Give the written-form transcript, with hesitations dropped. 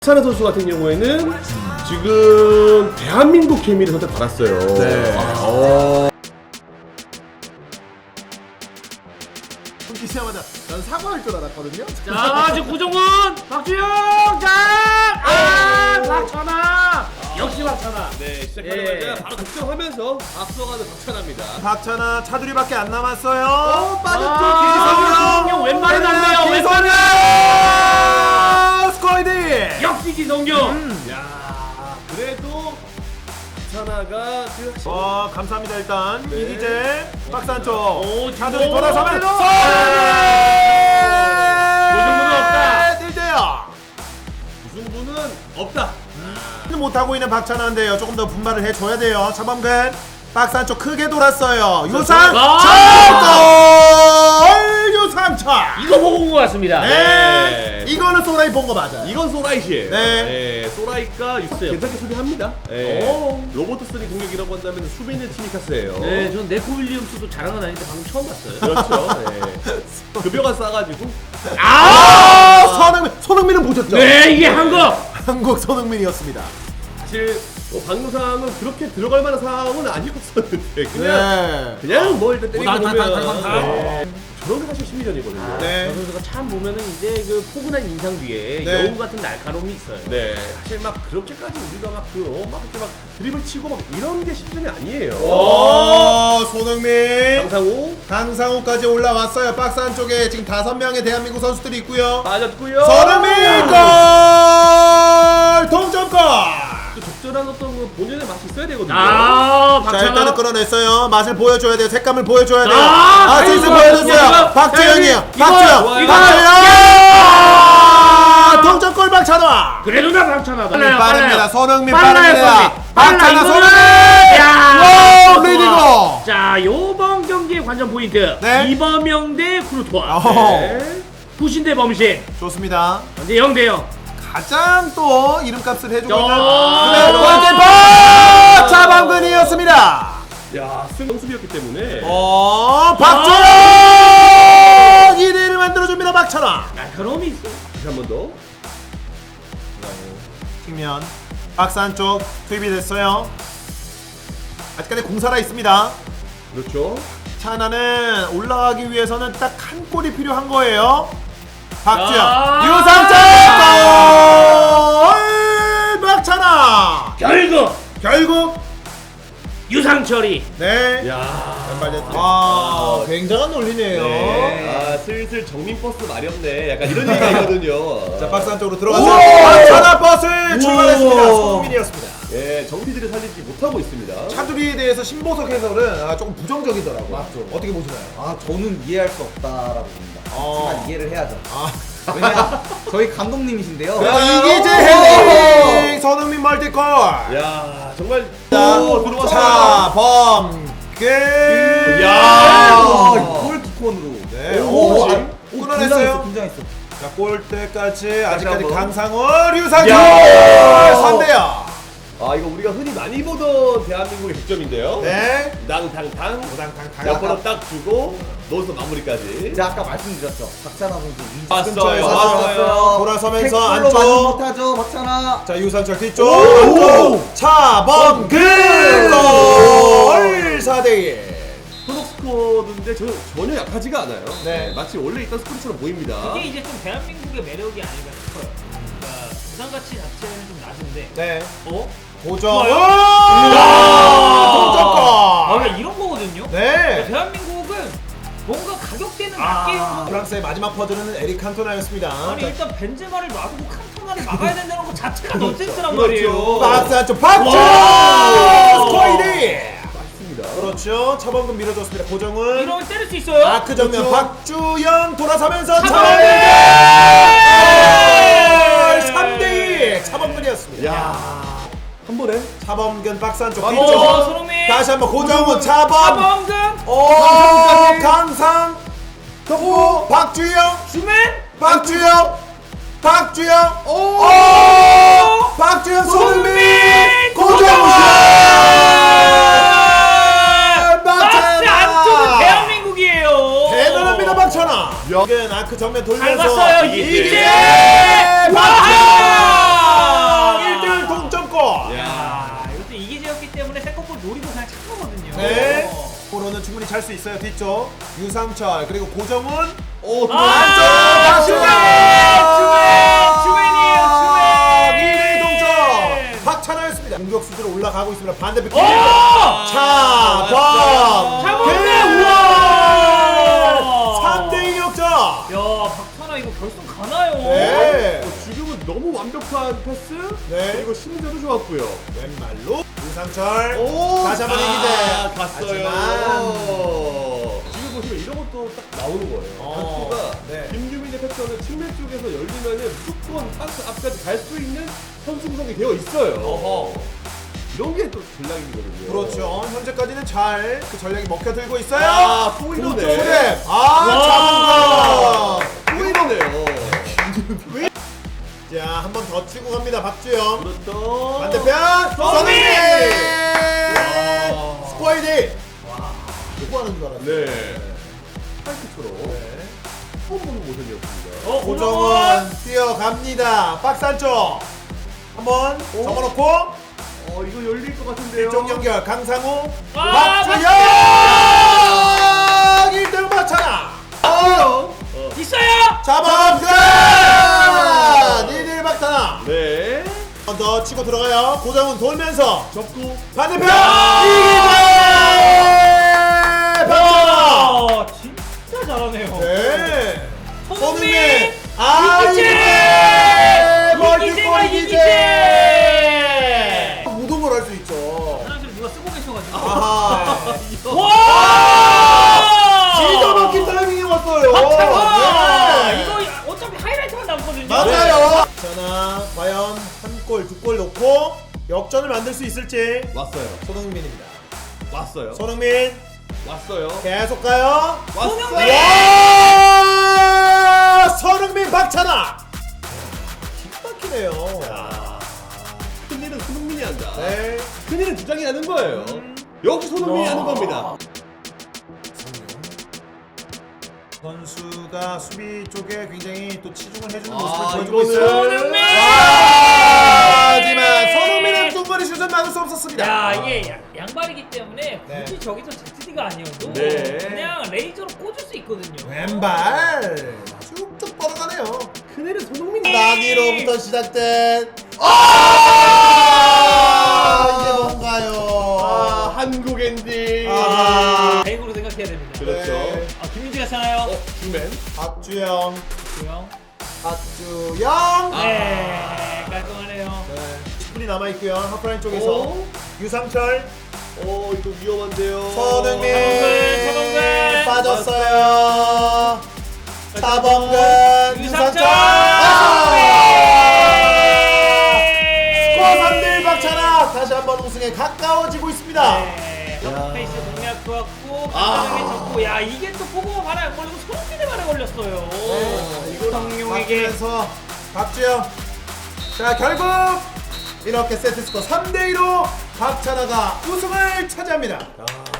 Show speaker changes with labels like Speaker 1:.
Speaker 1: 박찬하 선수 같은 경우에는 지금 대한민국 케미를 선택받았어요.
Speaker 2: 네. 시작하자마자 난 사과할 줄 알았거든요.
Speaker 3: 자, 지금 구정훈, 박주영, 자, 박찬하, 역시 박찬하.
Speaker 1: 네, 시작하자마자 바로 득점하면서 앞서가는 박찬하입니다.
Speaker 2: 박찬하 차두리밖에 안 남았어요.
Speaker 3: 기성용
Speaker 2: 빠졌죠.
Speaker 3: 왼발에 났네요.
Speaker 2: 기성용 스코이드.
Speaker 3: 역시 기성용.
Speaker 1: 야, 그래도 박찬하가
Speaker 2: 감사합니다. 일단
Speaker 1: 네.
Speaker 2: 이기재 박스 안쪽
Speaker 3: 오,
Speaker 2: 차두리
Speaker 3: 지금
Speaker 2: 돌아서면
Speaker 3: 무승부는 없다.
Speaker 2: 1대0.
Speaker 1: 무승부는 없다.
Speaker 2: 못하고 있는 박찬하인데요. 조금 더 분발을 해줘야 돼요. 차범근 박스 안쪽 크게 돌았어요. 유상철 유상철.
Speaker 3: 이거 보고 온 것 같습니다.
Speaker 2: 네. 이거는 소라이 본 거 맞아요.
Speaker 1: 이건 소라이시에요.
Speaker 2: 네.
Speaker 1: 소라이가 괜찮게 수비합니다. 네. 로버트슨이 공격이라고 한다면 수비는 티미카스예요.
Speaker 3: 네, 전 네코 윌리엄스도 잘하는 아닌데 방금 처음 봤어요.
Speaker 1: 그렇죠. 네. 급여가 싸가지고.
Speaker 2: 손흥민은 보셨죠?
Speaker 3: 네, 이게 한국.
Speaker 2: 한국 손흥민이었습니다.
Speaker 1: 사실 방금 상황은 그렇게 들어갈 만한 상황은 아니었었는데 그냥 뭐 일단 때리고 보면 저런 게 사실 심리전이거든요.
Speaker 2: 네.
Speaker 3: 저 선수가 참 보면은 이제 그 포근한 인상 뒤에
Speaker 2: 네.
Speaker 3: 여우 같은 날카로움이 있어요.
Speaker 1: 네, 사실 막 그렇게까지 우리가 막 이렇게 막 드리블 치고 막 이런 게 심리전이 아니에요.
Speaker 2: 손흥민
Speaker 1: 강상우
Speaker 2: 까지 올라왔어요. 박스 안쪽에 지금 5명의 대한민국 선수들이 있고요.
Speaker 1: 빠졌고요.
Speaker 2: 손흥민 골! 동점골!
Speaker 1: 또 적절한 어떤 그 본연의 맛이 있어야 되거든요.
Speaker 2: 자,
Speaker 3: 박찬하.
Speaker 2: 일단은 끌어냈어요. 맛을 보여줘야 돼요. 색감을 보여줘야 돼요.
Speaker 3: 아,
Speaker 2: 아시스
Speaker 3: 이거,
Speaker 2: 보여줬어요.
Speaker 3: 이거,
Speaker 2: 박재영이에요.
Speaker 3: 이거,
Speaker 2: 박재영!
Speaker 3: 이거,
Speaker 2: 박재영! 동점골 박찬하!
Speaker 3: 그래도 나 박찬하다.
Speaker 2: 빠릅니다. 손흥민
Speaker 3: 빨라요,
Speaker 2: 빠릅니다. 박찬하
Speaker 3: 이거는.
Speaker 2: 손흥민!
Speaker 3: 야,
Speaker 2: 오, 리디고!
Speaker 3: 자, 요번 경기의 관전 포인트.
Speaker 2: 네.
Speaker 3: 이범영 대 쿠르토아.
Speaker 2: 네.
Speaker 3: 부신 대 범신.
Speaker 2: 좋습니다.
Speaker 3: 현재 0대 0.
Speaker 2: 가장 또 이름값을 해주고 있는
Speaker 3: 네.
Speaker 2: 골키퍼 차범근이었습니다.
Speaker 1: 야, 승수비였기 때문에.
Speaker 2: 박주영 2대1을 만들어줍니다. 박찬하.
Speaker 3: 날카로움이 있어.
Speaker 1: 다시 한 번 더.
Speaker 2: 측면 박스 안쪽 투입이 됐어요. 아직까지 공사라 있습니다.
Speaker 1: 그렇죠.
Speaker 2: 찬하는 올라가기 위해서는 딱 한 골이 필요한 거예요. 박주영
Speaker 3: 야.
Speaker 2: 유상철 골! 박찬하 결국
Speaker 3: 유상철이.
Speaker 2: 네.
Speaker 1: 야,
Speaker 2: 아, 굉장한 논리네요.
Speaker 1: 네. 슬슬 정민버스 마렵네. 약간 이런 얘기거든요.
Speaker 2: 자, 박스 안쪽으로 들어가서 박찬하 버스 출발했습니다. 손흥민이었습니다.
Speaker 1: 예, 정피들을 살리지 못하고 있습니다.
Speaker 2: 차두리에 대해서 신보석 해설은 조금 부정적이더라고요. 맞죠. 어떻게 보시나요?
Speaker 4: 저는 이해할 수 없다라고 봅니다. 하지만 이해를 해야죠. 왜냐? 저희 감독님이신데요.
Speaker 2: 이기재 헤딩 손흥민 멀티골.
Speaker 1: 야, 정말 들어왔어요.
Speaker 2: 차범근.
Speaker 4: 골키콘으로.
Speaker 2: 네.
Speaker 4: 오,
Speaker 2: 끊어냈어요.
Speaker 4: 긴장했어.
Speaker 2: 자, 골대까지 아직까지
Speaker 1: 한번.
Speaker 2: 강상월 유상철
Speaker 1: 야.
Speaker 2: 3대0.
Speaker 1: 아, 이거 우리가 흔히 많이 보던 대한민국의 득점인데요.
Speaker 2: 네.
Speaker 1: 낭탕탕.
Speaker 2: 오당탕탕.
Speaker 1: 옆으로 딱 주고 넣어서 마무리까지.
Speaker 4: 제가 아까 말씀드렸죠. 박찬하 선수
Speaker 1: 왔어요.
Speaker 2: 왔어요. 돌아서면서
Speaker 4: 태클로
Speaker 2: 안쪽.
Speaker 4: 맞지 못하죠, 박찬하.
Speaker 2: 자, 유상철 뒤쪽 안쪽 차범근 골 4대1.
Speaker 1: 소속 스쿼드인데 전혀 약하지가 않아요.
Speaker 2: 네.
Speaker 1: 마치 원래 있던 스쿼드처럼 보입니다.
Speaker 3: 이게 이제 좀 대한민국의 매력이 아닌가 싶어요. 그러니까 부산 가치 자체는 좀 낮은데.
Speaker 2: 네.
Speaker 3: 고정.
Speaker 2: 동점골.
Speaker 3: 이런 거거든요.
Speaker 2: 네.
Speaker 3: 대한민국은 뭔가 가격대는 낮게 형.
Speaker 2: 프랑스의 마지막 퍼즐은 에릭 칸토나였습니다.
Speaker 3: 아니 일단 벤제마를 놔두고 칸토나를 막아야 된다는 거 자체가 넌센스란
Speaker 1: 그렇죠.
Speaker 3: 말이에요.
Speaker 2: 박스 안쪽 박주 스코이드.
Speaker 1: 맞습니다.
Speaker 2: 그렇죠. 차범근 밀어줬습니다. 고정은
Speaker 3: 이러면 때릴 수 있어요.
Speaker 2: 아크 정면
Speaker 1: 그렇죠.
Speaker 2: 박주영 돌아서면서
Speaker 3: 차범근!
Speaker 2: 3대2 차범근이었습니다.
Speaker 1: 야, 한 번에.
Speaker 2: 차범근 박스 안쪽
Speaker 3: 오,
Speaker 2: 뒤쪽
Speaker 3: 손흥민.
Speaker 2: 다시 한번 고정은 차범
Speaker 3: 차범근.
Speaker 2: 강상 또 박주영
Speaker 3: 주맨.
Speaker 2: 박주영 박주영 손흥민 고정은
Speaker 3: 박스 안쪽은 대한민국이에요.
Speaker 2: 대단합니다. 박찬하. 여긴 아크 정면
Speaker 3: 잘
Speaker 2: 돌면서
Speaker 3: 봤어요. 이기재.
Speaker 2: 박주영 찰 수 있어요. 뒤쪽 유상철 그리고 고정훈.
Speaker 1: 오,
Speaker 3: 주맨이에요.
Speaker 2: 2대2 동점. 박찬하였습니다. 공격수들로 올라가고 있습니다. 반대편
Speaker 3: 오!
Speaker 2: 차범
Speaker 3: 차범근! 우와!
Speaker 2: 3대2 역전.
Speaker 3: 야, 박찬하 이거 결승 가나요?
Speaker 2: 네.
Speaker 1: 지금은 너무 완벽한 패스.
Speaker 2: 네.
Speaker 1: 그리고 심리전도 좋았고요.
Speaker 2: 왼발로 유상철.
Speaker 1: 오,
Speaker 2: 다시 한번 이기대.
Speaker 1: 갔어요.
Speaker 2: 하지만
Speaker 1: 지금 보시면 이런 것도 딱 나오는 거예요. 박수가
Speaker 2: 네.
Speaker 1: 김규민의 패턴은 측면 쪽에서 열리면은 무조건 박스 앞까지 갈 수 있는 선수 구성이 되어 있어요. 이런 게 또 전략이거든요.
Speaker 2: 그렇죠. 현재까지는 잘 그 전략이 먹혀들고 있어요.
Speaker 1: 아, 또 이러네.
Speaker 2: 초대.
Speaker 1: 와.
Speaker 2: 잡은
Speaker 1: 또 이러네요.
Speaker 2: 자, 한 번 더 치고 갑니다. 박주영.
Speaker 1: 그렇죠.
Speaker 2: 반대편
Speaker 1: 손흥민!
Speaker 2: 스포이디. 누구 하는 줄 알았어요.
Speaker 1: 네. 파이트처럼 처음 보는 모습이었습니다.
Speaker 2: 고정은 뛰어갑니다. 박스 안쪽. 한번 접어놓고
Speaker 1: 이거 열릴 것 같은데요.
Speaker 2: 일종 연결 강상우.
Speaker 3: 아,
Speaker 2: 박주영 1등 박찬하.
Speaker 3: 있어요.
Speaker 2: 잡아갑니다. 1대1 박찬하.
Speaker 1: 네.
Speaker 2: 한 번 더 치고 들어가요. 고정은 돌면서
Speaker 1: 접고
Speaker 2: 반대편 이기재 박찬하.
Speaker 3: 진짜 잘하네요.
Speaker 2: 네.
Speaker 3: 손흥민!
Speaker 2: 멀티골 이기재.
Speaker 3: 이기재!
Speaker 2: 무덤을 할 수 있죠.
Speaker 3: 화장실 누가 쓰고 계셔가지고.
Speaker 2: 아하.
Speaker 3: 와!
Speaker 2: 진짜 막힌 타이밍이 왔어요.
Speaker 3: 박찬하!
Speaker 2: 네.
Speaker 3: 이거 어차피 하이라이트만 남거든요.
Speaker 2: 맞아요. 자나 과연 한 골, 두 골 넣고 역전을 만들 수 있을지.
Speaker 1: 왔어요.
Speaker 2: 손흥민입니다.
Speaker 1: 왔어요.
Speaker 2: 손흥민
Speaker 1: 왔어요.
Speaker 2: 계속 가요.
Speaker 1: 왔어요.
Speaker 2: 와! 손흥민 박찬하. 기막히네요.
Speaker 1: 큰일은 손흥민이 한다.
Speaker 2: 네.
Speaker 1: 큰일은 주장이 하는 거예요. 역시 손흥민이 하는 겁니다.
Speaker 2: 선수가 수비 쪽에 굉장히 또 치중을 해주는 모습을 보여주고
Speaker 1: 이거는
Speaker 2: 있어요.
Speaker 3: 손흥민!
Speaker 2: 하지만 손흥민은 중거리 슛은 막을 수 없었습니다.
Speaker 3: 야, 이게 양발이기 때문에
Speaker 2: 네.
Speaker 3: 굳이 저기서 ZD가 아니어도
Speaker 1: 네.
Speaker 3: 그냥 레이저로 꽂을 수 있거든요.
Speaker 2: 왼발 쭉쭉 뻗어가네요.
Speaker 1: 큰일은 손흥민이.
Speaker 2: 나니로부터 시작된 이게 뭔가요?
Speaker 1: 한국 엔딩.
Speaker 3: 다행으로 생각해야 됩니다.
Speaker 1: 그렇죠.
Speaker 2: 네.
Speaker 3: 김민지 같잖아요.
Speaker 1: 주맨.
Speaker 2: 박주영,
Speaker 3: 조용.
Speaker 2: 박주영.
Speaker 3: 네, 깔끔하네요.
Speaker 2: 네. 10분이 남아 있고요. 하프라인 쪽에서
Speaker 1: 오.
Speaker 2: 유상철,
Speaker 1: 이거 위험한데요.
Speaker 2: 손흥민
Speaker 3: 차범근.
Speaker 2: 빠졌어요. 차범근,
Speaker 3: 유상철.
Speaker 2: 유상철. 스코어 3대1 박찬하 다시 한번 우승에 가까워지고 있습니다.
Speaker 3: 네, 페이스 공략 좋았고 박찬하게 졌고 야 이게 또 포고가 발에 안 걸리고 손흥민의 발에 걸렸어요.
Speaker 2: 이거
Speaker 3: 성룡에게
Speaker 2: 박주영에서 박주영. 자 결국 이렇게 세트 스코어 3대2로 박찬하가 우승을 차지합니다.